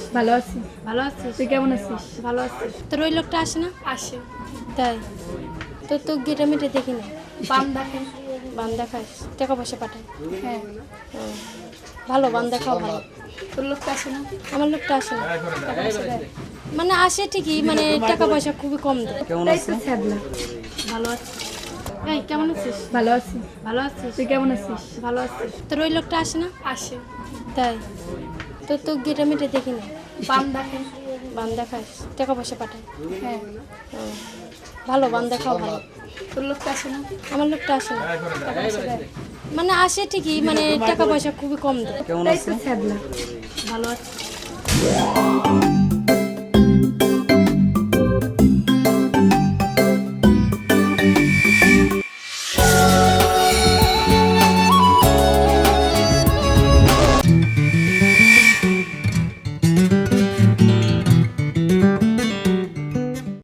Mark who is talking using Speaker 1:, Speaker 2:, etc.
Speaker 1: ভালো আছি।
Speaker 2: ভালো আছিস?
Speaker 1: তুই কেমন আছিস?
Speaker 2: ভালো আছিস?
Speaker 3: তোর ওই লোকটা আসে না?
Speaker 2: আসে।
Speaker 3: তাই তো গেটে মেটে দেখি না।
Speaker 2: বান্দা খাই।
Speaker 3: বান্দা খাস, টাকা পয়সা পাঠায়।
Speaker 2: হ্যাঁ।
Speaker 3: ভালো বান্দা খাওয়া ভালো।
Speaker 2: তোর লোকটা আসে না?
Speaker 3: আমার লোকটা আসে না।
Speaker 2: টাকা পয়সা দেয়?
Speaker 3: মানে আসে ঠিকই, মানে টাকা পয়সা খুবই কম দেয়।
Speaker 1: তাই তো ছাড়লা।
Speaker 2: ভালো আছি। এই কেমন আছিস?
Speaker 1: ভালো আছি।
Speaker 2: ভালো আছিস?
Speaker 1: তুই কেমন আছিস?
Speaker 2: ভালো আছিস?
Speaker 3: তোর ওই লোকটা আসে না?
Speaker 2: আসে।
Speaker 3: তাই তো গেটে মেটে দেখি না।
Speaker 2: বান্দা খাই।
Speaker 3: বান্দা খাস, টাকা পয়সা পাঠায়।
Speaker 2: হ্যাঁ।
Speaker 3: ভালো বান্দা খাওয়া ভালো।
Speaker 2: তোর লোকটা আসে না?
Speaker 3: আমার লোকটা আসে না।
Speaker 2: টাকা পয়সা দেয়?
Speaker 3: মানে আসে ঠিকই, মানে টাকা পয়সা খুবই কম দেয়।
Speaker 1: তাই তো ছাড়লা।
Speaker 2: ভালো আছি।